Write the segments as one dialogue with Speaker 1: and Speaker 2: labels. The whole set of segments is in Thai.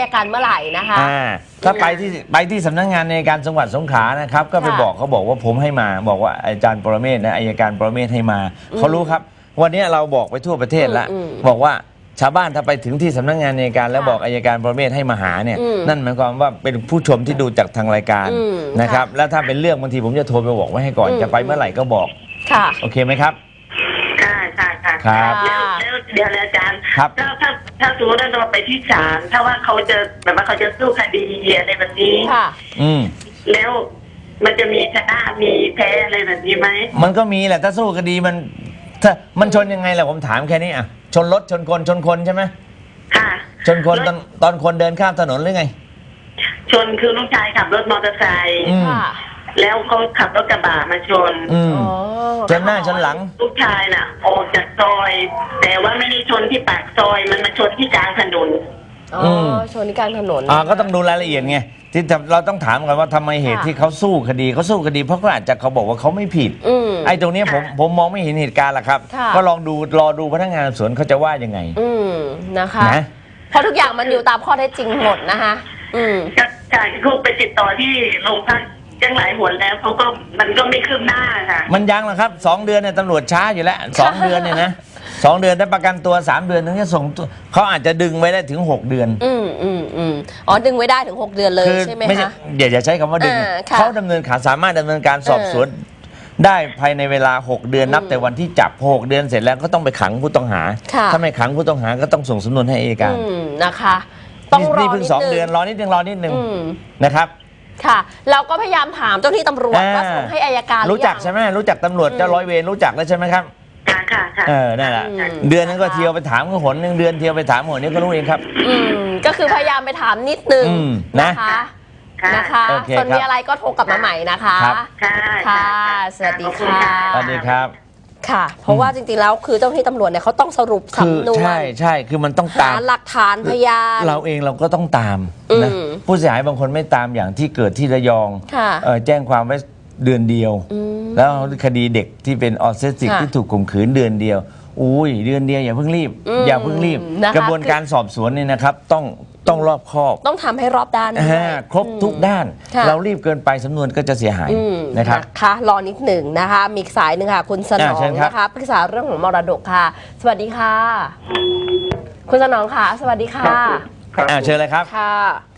Speaker 1: อัยการเมื่อไหร่นะคะ
Speaker 2: ถ้าไปที่สำนักงานในการจังหวัดสงขลานะครับก็ไปบอกเขาบอกว่าผมให้มาบอกว่าอาจารย์ปรเมศนะอัยการปรเมศให้มาเขารู้ครับวันนี้เราบอกไปทั่วประเทศแล้วบอกว่าชาวบ้านถ้าไปถึงที่สำนักงานอัยการแล้วบอกอัยการปรเมศให้มาหาเนี่ยนั่นหมายความว่าเป็นผู้ชมที่ดูจากทางรายการนะครับแล้วถ้าเป็นเรื่องบางทีผมจะโทรไปบอกไว้ให้ก่อนจะไปเมื่อไหร่ก็บอกโอเคไหมครับ
Speaker 3: ครับแล้วเดี๋ยวอาจารย์ถ้าสมมติว่าเราไปที่ศาลถ้าว่าเขาจะแบบว่าเขาจะสู้คดีอะไรแบบนี้แล้วมันจะมีชนะมีแพ้อะไรแบบนี้ไหม
Speaker 2: มันก็มีแหละถ้าสู้คดีมันชนยังไงล่ะผมถามแค่นี้อ่ะชนรถชนคนใช่ไหม
Speaker 3: ค่ะ
Speaker 2: ชนคนตอนคนเดินข้ามถนนหรือไง
Speaker 3: ชนคือลูกชายขับรถมอเตอร์ไซค์แล้วเขาขับรถกระบะมาชน
Speaker 2: ชนหน้าชนหลัง
Speaker 3: ลูกชายน่ะออกจากซอยแต่ว่าไม่ได้ชนที่ปากซอยมันมาชนที่กลางถนน
Speaker 1: ชนที่กลางถนน
Speaker 2: ก็ต้องดูรายละเอียดไงที่เราต้องถามกันว่าทำไมเหตุที่เขาสู้คดีเพราะเขาอาจจะเขาบอกว่าเขาไม่ผิดไอ้ตรงนี้ผมมองไม่เห็นเหตุการณ์หรอกครับก็รอดูพนักงานสอบสวนเขาจะว่ายังไง
Speaker 1: นะคะเพราะทุกอย่างมันอยู่ตามข้อเท็จจริงหมดนะคะ
Speaker 3: ค่ะเขาไปติดต่อที่โรงพักยังหลายหนแล้วเขาก็มันก็ไม่คืบหน้าค่ะ
Speaker 2: มันยังหรอครับ2 เดือนเนี่ยตำรวจช้าอยู่แล้ว2 เดือนเนี่ยนะ2 เดือนได้ประกันตัว3 เดือนถึงจะส่งเขาอาจจะดึงไว้ได้ถึง6 เดือน
Speaker 1: ดึงไว้ได้ถึง6 เดือนเลยใช่ไหมคะ
Speaker 2: อย่าใช้คำว่าดึงเขาสามารถดำเนินการสอบสวนได้ภายในเวลา6 เดือนนับแต่วันที่จับ6 เดือนเสร็จแล้วก็ต้องไปขังผู้ต้องหาถ้าไม่ขังผู้ต้องหาก็ต้องส่งสำนวนให้อัยการ
Speaker 1: นะคะต้องรอ
Speaker 2: นี่เพิ่ง2 เดือนรอนิดนึงนะครับ
Speaker 1: ค่ะเราก็พยายามถามเจ้าที่ตำรวจว่าส่งให้อัยการ
Speaker 2: รู้จักใช่ไหมรู้จักตำรวจเจ้าร้อยเวรรู้จักแล้วใช่ไหมครับ
Speaker 3: ค่ะ
Speaker 2: นั่นแหละเดือนนึงก็เที่ยวไปถามก็หนนึงเดือนเที่ยวไปถามหนนี้ก็รู้เองครับ
Speaker 1: ก็คือพยายามไปถามนิดนึงนะคะส่วนมีอะไรก็โทรกลับมาใหม่นะคะค่ะสวัสดีค่ะ
Speaker 2: สวัสดีครับ
Speaker 1: ค่ะเพราะว่าจริงๆแล้วคือเจ้าหน้าที่ตำรวจเนี่ยเขาต้องสรุปสำนวน
Speaker 2: ใช่คือมันต้องตาม
Speaker 1: หลักฐานพยาน
Speaker 2: เราก็ต้องตามนะผู้เสียหายบางคนไม่ตามอย่างที่เกิดที่ระยองแจ้งความไว้เดือนเดียวแล้วคดีเด็กที่เป็นออทิสติกที่ถูกข่มขืนเดือนเดียวเดือนเดียวอย่าเพิ่งรีบกระบวนการสอบสวนเนี่ยนะครับต้องรอบคอบ
Speaker 1: ต้องทำให้รอบด้าน
Speaker 2: ครบทุกด้านเรารีบเกินไปสำนวนก็จะเสียหายนะครับ
Speaker 1: รอนิดหนึ่งนะคะมีสายหนึ่งค่ะคุณสนองนะคะปรึกษาเรื่องของมรดกค่ะสวัสดีค่ะคุณสนองค่ะสวัสดีค่ะ
Speaker 2: เชิญเลยครับ
Speaker 1: ค่ะ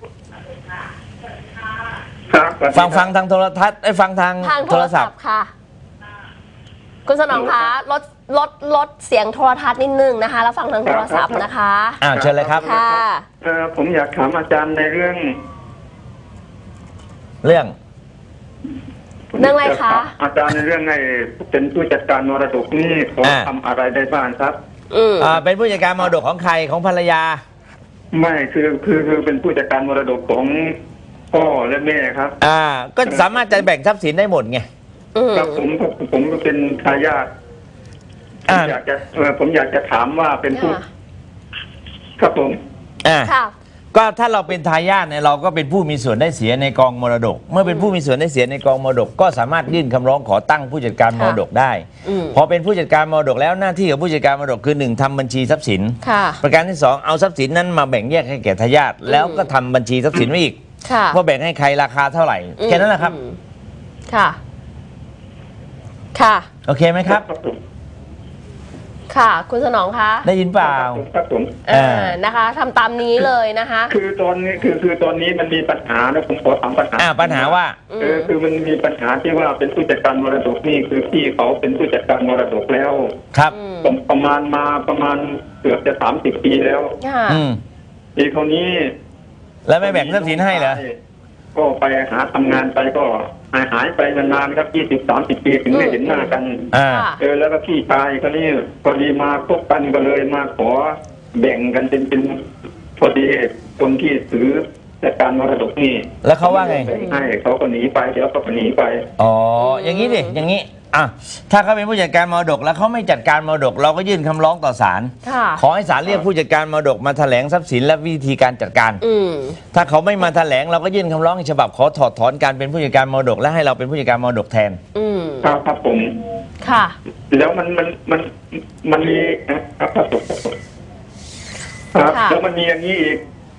Speaker 2: ฟังทางโทรทัศน์ฟังทางโทรศัพท์
Speaker 1: ค่ะคุณสนองคะลดเสียงโทรทัศน์นิดนึงนะคะแล้วฟังทางโทรศัพท์นะคะ
Speaker 2: เชิญเลยครับ
Speaker 1: ค่ะ
Speaker 4: ผมอยากถามอาจารย์ในเรื่อง
Speaker 1: อะไรคะ
Speaker 4: อาจารย์ในเรื่องไอ้เป็นผู้จัดการมรดกนี่เขาทำอะไรได้บ้างครับ
Speaker 2: เป็นผู้จัดการมรดกของใครของภรรยา
Speaker 4: ไม่คือเป็นผู้จัดการมรดกของพ่อและแม่ครับ
Speaker 2: ก็สามารถจะแบ่งทรัพย์สินได้หมดไง
Speaker 4: ครับผมเป็นทายาทผมอยากจะถามว่าเป็นผู้ครับผม
Speaker 2: ก็ถ้าเราเป็นทายาทเนี่ยเราก็เป็นผู้มีส่วนได้เสียในกองมรดกเมื่อเป็นผู้มีส่วนได้เสียในกองมรดกก็สามารถยื่นคำร้องขอตั้งผู้จัดการมรดกได้พอเป็นผู้จัดการมรดกแล้วหน้าที่ของผู้จัดการมรดกคือ1ทำบัญชีทรัพย์สินประการที่2เอาทรัพย์สินนั้นมาแบ่งแยกให้แก่ทายาทแล้วก็ทำบัญชีทรัพย์สินไว้อีกว่าแบ่งให้ใครราคาเท่าไหร่แค่นั้นแหละครับ
Speaker 1: ค่ะ
Speaker 2: โอเคไหมครับ
Speaker 1: ค่ะคุณสนองคะ
Speaker 2: ได้ยินเปล่า
Speaker 4: ครับผม
Speaker 1: นะคะทำตามนี้เลยนะคะ
Speaker 4: คือตอนนี้มันมีปัญหานะผมขอถาม
Speaker 2: ปัญหาว่า
Speaker 4: คือมันมีปัญหาที่ว่าเป็นผู้จัดการมรดกนี่คือพี่เขาเป็นผู้จัดการมรดกแล้ว
Speaker 2: ครับ
Speaker 4: ประมาณเกือบจะ30 ปีแล้วปีเขานี้
Speaker 2: แล้วไม่แบ่งทรัพย์สินให้เหรอ
Speaker 4: ก็ไปหาทำงานไปก็หายไปนานๆครับ20-30 ปีถึงได้เห็นหน้ากันแล้วก็พี่ชายคนนี้พอดีมาพบกันก็เลยมาขอแบ่งกันเป็นพอดีคนที่ถือจัดการมรดกนี่
Speaker 2: แล้วเขาว่าไง
Speaker 4: ให้เขาก็หนีไปเดี๋ยวก็หนีไป
Speaker 2: อย่างนี้ดิอย่างนี้ถ้าเขาเป็นผู้จัดการมรดกแล้วเขาไม่จัดการมรดกเราก็ยื่นคำร้องต่อศาลขอให้ศาลเรียกผู้จัดการมรดกมาแถลงทรัพย์สินและวิธีการจัดการถ้าเขาไม่มาแถลงเราก็ยื่นคำร้องฉบับขอถอดถอนการเป็นผู้จัดการมรดกและให้เราเป็นผู้จัดการมรดกแทน
Speaker 4: ครับผม
Speaker 1: ค่ะ
Speaker 4: แล้วมันมีครับแล้วมันมีอย่างนี้อีก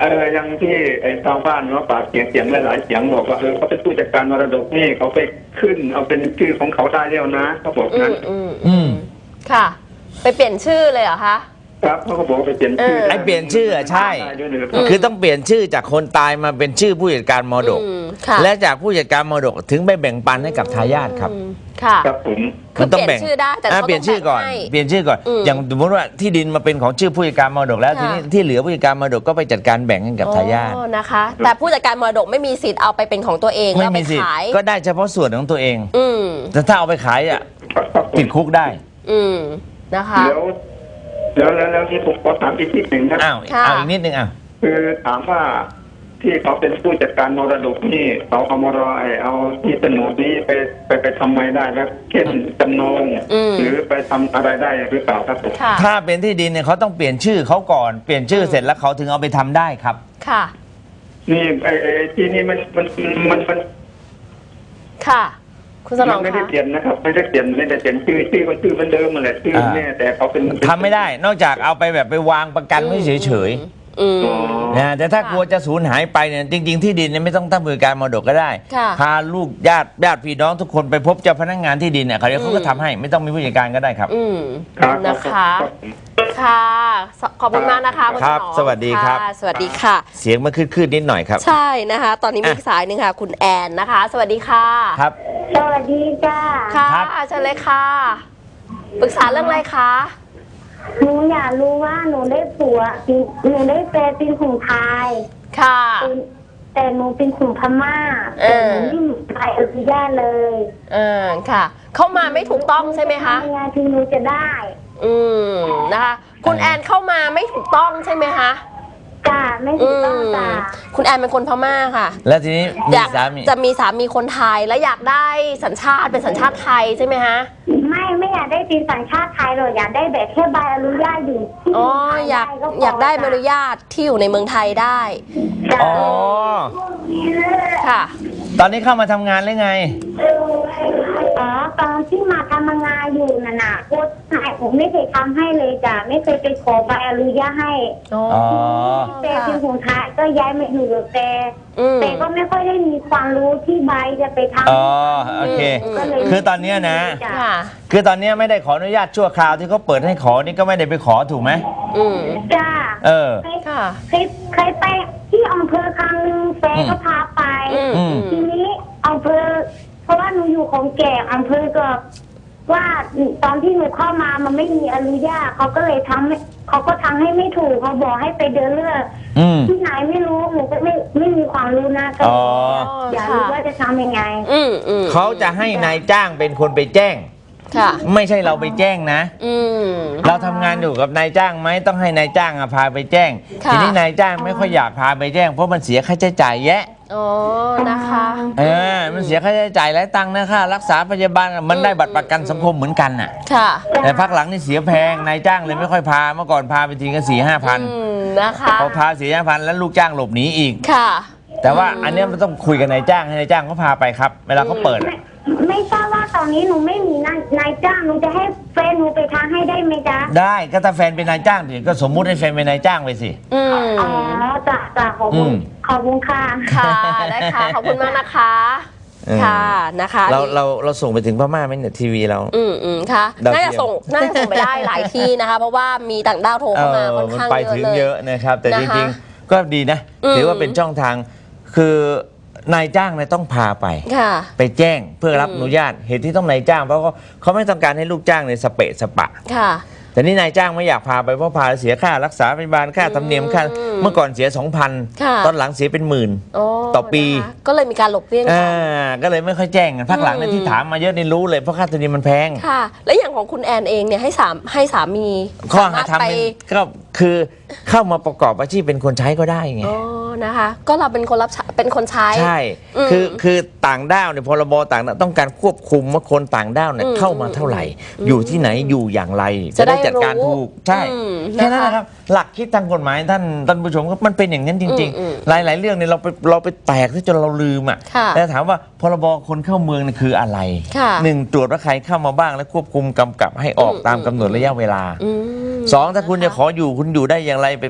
Speaker 4: ยังที่ไอ้ชาวบ้านว่าปากเสียงหลายๆเสียงบอกว่าเขาเป็นผู้จัดการมรดกนี่เขาไปขึ้นเอาเป็นชื่อของเขาได้แล้วนะเขาบอกนั้น
Speaker 1: ค่ะไปเปลี่ยนชื่อเลยเหรอคะ
Speaker 4: ครับเขาก็บอกไปเปลี่ยนชื่อ
Speaker 2: ไอ้เปลี่ยนชื่อใช่คือต้องเปลี่ยนชื่อจากคนตายมาเป็นชื่อผู้จัดการมรดกและจากผู้จัดการมรดกถึงไปแบ่งปันให้กับทายาทครับ
Speaker 1: ค่ะ
Speaker 4: ครับผม
Speaker 1: คือต้องเปลี่ยนชื่อได้แต่
Speaker 2: เปลี่ยนชื่อก่อนเปลี่ยนชื่อก่อนอย่างสมมติว่าที่ดินมาเป็นของชื่อผู้จัดการมรดกแล้วทีนี้ที่เหลือผู้จัดการมรดกก็ไปจัดการแบ่งให้กับทายาท
Speaker 1: นะคะแต่ผู้จัดการมรดกไม่มีสิทธิ์เอาไปเป็นของตัวเองแล้วไปขาย
Speaker 2: ก็ได้เฉพาะส่วนของตัวเองแต่ถ้าเอาไปขายอ่ะติดคุกได้
Speaker 1: นะคะ
Speaker 4: แล้วที่ผมขอถามอีกนิดหนึ่งครับ
Speaker 2: เอาอีกนิดนึง
Speaker 4: คือถามว่าที่เขาเป็นผู้จัดการมรดกนี่เขาเอามรดกเอาที่โฉนดนี้ไปทำไมได้แล้วเช่นจำนองหรือไปทำอะไรได้หรือเปล่าครับผม
Speaker 2: ถ้าเป็นที่ดินเนี่ยเขาต้องเปลี่ยนชื่อเขาก่อนเปลี่ยนชื่อเสร็จแล้วเขาถึงเอาไปทำได้ครับ
Speaker 1: ค่ะ
Speaker 4: นี่ที่นี่มัน
Speaker 1: ค่ะคุณสนอง
Speaker 4: ไม่ได้เปลี่ยนนะครับไม่ได้เปลี่ยนชื่อเหมือนเดิมมาแหละชื่อแม่แต่เขาเป็น
Speaker 2: ทำไม่ได้นอกจากเอาไปแบบไปวางประกันไว้เฉยนะแต่ถ้ากลัวจะสูญหายไปเนี่ยจริงๆที่ดินเนี่ยไม่ต้องตั้งบริการมรดกก็ได้พาลูกญาติพี่น้องทุกคนไปพบเจ้าพนักงานที่ดินเนี่ยเขาก็ทำให้ไม่ต้องมีผู้จัดการก็ได้ครับ
Speaker 1: นะคะค่ะขอบคุณมากนะคะคุณ
Speaker 2: ครับสวัสดีครับ
Speaker 1: สวัสดีค่ะ
Speaker 2: เสียงมันคืดนิดหน่อยครับ
Speaker 1: ใช่นะคะตอนนี้มีสายหนึ่งค่ะคุณแอนนะคะสวัสดีค่ะ
Speaker 2: ครับ
Speaker 3: สวัสดีจ้า
Speaker 1: ค่ะเชิญเลยค่ะปรึกษาเรื่องอะไรคะ
Speaker 3: หนูอยากรู้ว่าหนูได้ผัวหนูได้แฟนเป็นคนไทย
Speaker 1: ค่ะ
Speaker 3: แต่หนูเป็นคนพม่าแต่หนูไม่มีใครอนุญาตเลย
Speaker 1: ค่ะเข้ามาไม่ถูกต้องใช่ไหมคะ
Speaker 3: งานที่หนูจะได้
Speaker 1: นะคะคุณแอนเข้ามาไม่ถูกต้องใช่ไหมคะ
Speaker 3: จ้าไม่ถูกต้องจ้า
Speaker 1: คุณแอนเป็นคนพม่าค่ะ
Speaker 2: แล้วทีนี้
Speaker 1: จะมีสามีคนไทยแล้วอยากได้สัญชาติเป็นสัญชาติไทยใช่ไหมคะ
Speaker 3: ไม่อยากได้เป็นสัญชาติไทยหรอกอยากได้แบบแค่ใบอนุญาตอยู่
Speaker 1: อ๋ออยากได้ใบอนุญาตที่อยู่ในเมืองไทยได้
Speaker 2: อ๋อ
Speaker 1: ค่ะ
Speaker 2: ตอนนี้เข้ามาทำงานหรือไง
Speaker 3: อ๋อตอนที่มาทำงานอยู่น่ะโค้ชนายผมไม่เคยทำให้เลยจ้ะไม่เคยไปขอใบอนุญาตให้แต่เป็นคนไทยก็ย้ายมาอยู่กับแต่ก็ไม่ค่อยได้มีความรู้ที่ใบจะไปทำ
Speaker 2: อ๋อโอเคคือตอนนี้นะคือตอนนี้ไม่ได้ขออนุญาตชั่วคราวที่เขาเปิดให้ขอนี่ก็ไม่ได้ไปขอถูกไหม
Speaker 3: จ้าเคยไปที่อำเภอครั้งนึงแฟนก็พาไปทีนี้อำเภอเพราะว่าหนูอยู่ของแก่อำเภอก็ว่าตอนที่หนูเข้ามามันไม่มีอนุญาตเขาก็เลยเขาก็ทำให้ไม่ถูกเขาบอกให้ไปเดินเลือกที่ไหนไม่รู้หนูก็ไม่มีความรู้นะก็อยากรู้ว่าจะทำยังไง
Speaker 2: เขาจะให้นายจ้างเป็นคนไปแจ้งไม่ใช่เราไปแจ้งนะเราทำงานอยู่กับนายจ้างไหมต้องให้นายจ้างพาไปแจ้งทีนี้นายจ้างไม่ค่อยอยากพาไปแจ้งเพราะมันเสียค่าใช้จ่ายแยะ
Speaker 1: นะคะ
Speaker 2: มันเสียค่าใช้จ่ายหลายตังค์นะค่ารักษาพยาบาลมันได้บัตรประกันสังคมเหมือนกันน่ะแต่พักหลังนี่เสียแพงนายจ้างเลยไม่ค่อยพาเมื่อก่อนพาไปทีก็4-5 พัน
Speaker 1: นะคะ
Speaker 2: พอพา4-5 พันแล้วลูกจ้างหลบหนีอีก
Speaker 1: ค่ะ
Speaker 2: แต่ว่าอันนี้มันต้องคุยกับนายจ้างให้นายจ้างเขาพาไปครับเวลาเขาเปิด
Speaker 3: ไม่ทราบว่าตอนนี้หนูไม่มีนายจ้างหนูจะให้แฟนหนูไปทางให้ได้ไหมจ๊ะ
Speaker 2: ได้ก็ถ้าแฟนเป็นนายจ้างดิก็สมมุติให้แฟนเป็นนายจ้างไปสิ
Speaker 3: อ๋อจ้ะขอบคุณค่ะ
Speaker 1: ค่ะได้ค่ะขอบคุณมากนะคะค่ะนะคะ
Speaker 2: เราส่งไปถึงพม่าไหมเนี่ยทีวีเรา
Speaker 1: ค่ะน่าจะส่งไปได้หลายที่นะคะเพราะว่ามีต่างด้าวโทรเข้ามาค่อนข้างเยอะเลย
Speaker 2: ไปถึงเยอะนะครับแต่จริงๆก็ดีนะถือว่าเป็นช่องทางคือนายจ้างเนี่ยต้องพาไปแจ้งเพื่อรับอนุญาตเหตุที่ต้องนายจ้างเพราะเขาไม่ต้องการให้ลูกจ้างในสเปะสปะแต่นี่นายจ้างไม่อยากพาไปเพราะพาเสียค่ารักษาพยาบาลค่าธรรมเนียมค่าเมื่อก่อนเสีย 2,000 ตอนหลังเสียเป็น10,000ต่อปี
Speaker 1: ก็เลยมีการหลบเลี่ยง
Speaker 2: ก็เลยไม่ค่อยแจ้งกันพักหลังเนี่ยที่ถามมาเยอะนี่รู้เลยเพราะค่าธรรมเนียมมันแพง
Speaker 1: ค่ะและอย่างของคุณแอนเองเนี่ยให้สามี
Speaker 2: ข้อหาทำก็คือเข้ามาประกอบอาชีพเป็นคนใช้ก็ได้ไง
Speaker 1: นะคะก็เราเป็นคนเป็นคนใช้
Speaker 2: ใช่คือต่างด้าวเนี่ยพรบต่างด้าวต้องการควบคุมว่าคนต่างด้าวเนี่ยเข้ามาเท่าไหร่อยู่ที่ไหนอยู่อย่างไรจะได้จัดการถูกใช่แค่นั้นนะครับหลักคิดทางกฎหมายท่านผู้ชมก็มันเป็นอย่างนั้นจริงๆหลายๆเรื่องเนี่ยเราไปแตกจนเราลืมอ่ะแต่ถามว่าพรบคนเข้าเมืองเนี่ยคืออะไร1ตรวจว่าใครเข้ามาบ้างและควบคุมกำกับให้ออกตามกำหนดระยะเวลา2ถ้าคุณจะขออยู่คุณอยู่ได้อย่างไรไป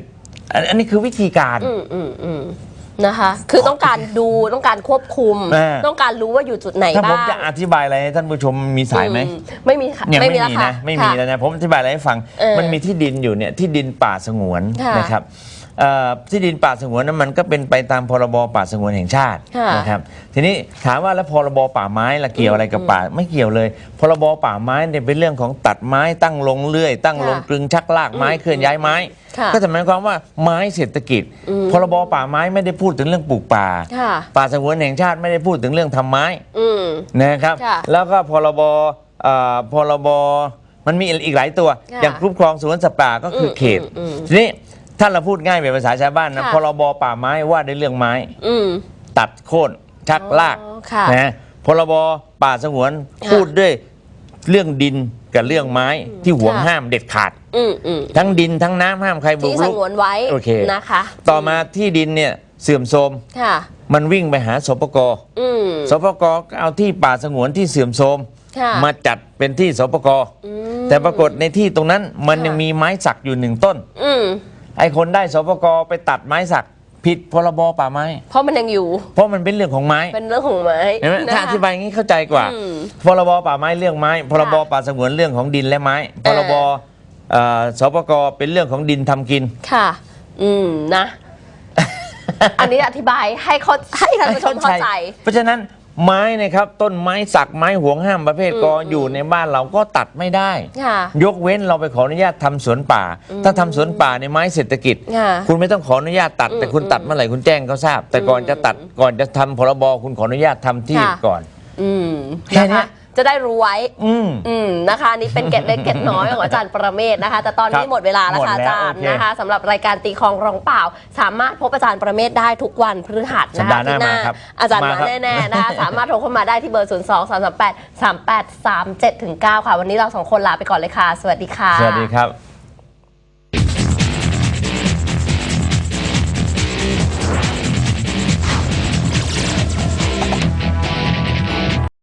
Speaker 2: อันนี้คือวิธีการ
Speaker 1: นะคะ คือต้องการดูต้องการควบคุม ต้องการรู้ว่าอยู่จุดไหนบ้าง
Speaker 2: ถ้าผมจะอธิบายอะไรให้ท่านผู้ชมมีสายไหม
Speaker 1: ไม่มีค่ะ
Speaker 2: เนี่ยไม่มี
Speaker 1: แล้วค่ะ
Speaker 2: นะไม่มีแล้วนะผมอธิบายอะไรให้ฟังมันมีที่ดินอยู่เนี่ยที่ดินป่าสงวนนะครับที่ดินป่าสงวนนั้นมันก็เป็นไปตามพรบป่าสงวนแห่งชาตินะครับทีนี้ถามว่าแล้วพรบป่าไม้ละเกี่ยวอะไรกับป่าไม่เกี่ยวเลยพรบป่าไม้เนี่ยเป็นเรื่องของตัดไม้ตั้งลงเลื่อยตั้งลงกลึงชักลากไม้เคลื่อนย้ายไม้ก็จะหมายความว่าไม้เศรษฐกิจพรบป่าไม้ไม่ได้พูดถึงเรื่องปลูกป่าป่าสงวนแห่งชาติไม่ได้พูดถึงเรื่องทำไม้นะครับแล้วก็พรบมันมีอีกหลายตัวอย่างคุ้มครองสวนสัตว์ป่าก็คือเขตทีนี้ถ้าเราพูดง่ายเป็นภาษาชาวบ้านนะพรบป่าไม้ว่าด้วยเรื่องไม้ตัดโค่นชักลากนะพรบป่าสงวนพูดด้วยเรื่องดินกับเรื่องไม้ที่ห่วงห้ามเด็ดขาดทั้งดินทั้งน้ำห้ามใครบุกรุก
Speaker 1: ที่สงวนไว้
Speaker 2: โอเค
Speaker 1: นะคะ
Speaker 2: ต่อมาที่ดินเนี่ยเสื่อมโทรมมันวิ่งไปหาสปกสปกเอาที่ป่าสงวนที่เสื่อมโทรมมาจัดเป็นที่สปกแต่ปรากฏในที่ตรงนั้นมันยังมีไม้สักอยู่1 ต้นไอ้คนได้สปกไปตัดไม้สักผิดพรบป่าไม้
Speaker 1: เพราะมันยังอยู่
Speaker 2: เพราะมันเป็นเรื่องของไม้
Speaker 1: เป็นเรื่องของไม้
Speaker 2: ถ้าอธิบายอย่างนี้เข้าใจกว่าพรบป่าไม้เรื่องไม้พรบป่าสงวนเรื่องของดินและไม้พรบสปกเป็นเรื่องของดินทำกิน
Speaker 1: ค่ะนะอันนี้อธิบายให้ท่านผู้ชมเข้าใจ
Speaker 2: เพราะฉะนั้นไม้นะครับต้นไม้สักไม้ห่วงห้ามประเภทกออยู่ในบ้านเราก็ตัดไม่ได้ยกเว้นเราไปขออนุญาตทำสวนป่าถ้าทำสวนป่าในไม้เศรษฐกิจคุณไม่ต้องขออนุญาตตัดแต่คุณตัดเมื่อไหร่คุณแจ้งเขาทราบแต่ก่อนจะตัดก่อนจะทำพรบคุณขออนุญาตทำที่ก่อนแค่นี้
Speaker 1: จะได้รู้ไว้นะคะนี่เป็นเกร็ดเล็กเกร็ดน้อยของอาจารย์ประเมศนะคะแต่ตอนนี้หมดเวลาแล้วค่ะอาจารย์นะคะสำหรับรายการตีคลองร้องเปล่าสามารถพบอาจารย์ประเมศได้ทุกวันพฤหัสนะคะที่หน้าอาจารย์มาแน่ๆนะคะสามารถโทรเข้ามาได้ที่เบอร์ 02-338-3837-9 ค่ะวันนี้เรา2 คนลาไปก่อนเลยค่ะสวัสดีค่ะ
Speaker 2: สวัสดีครับ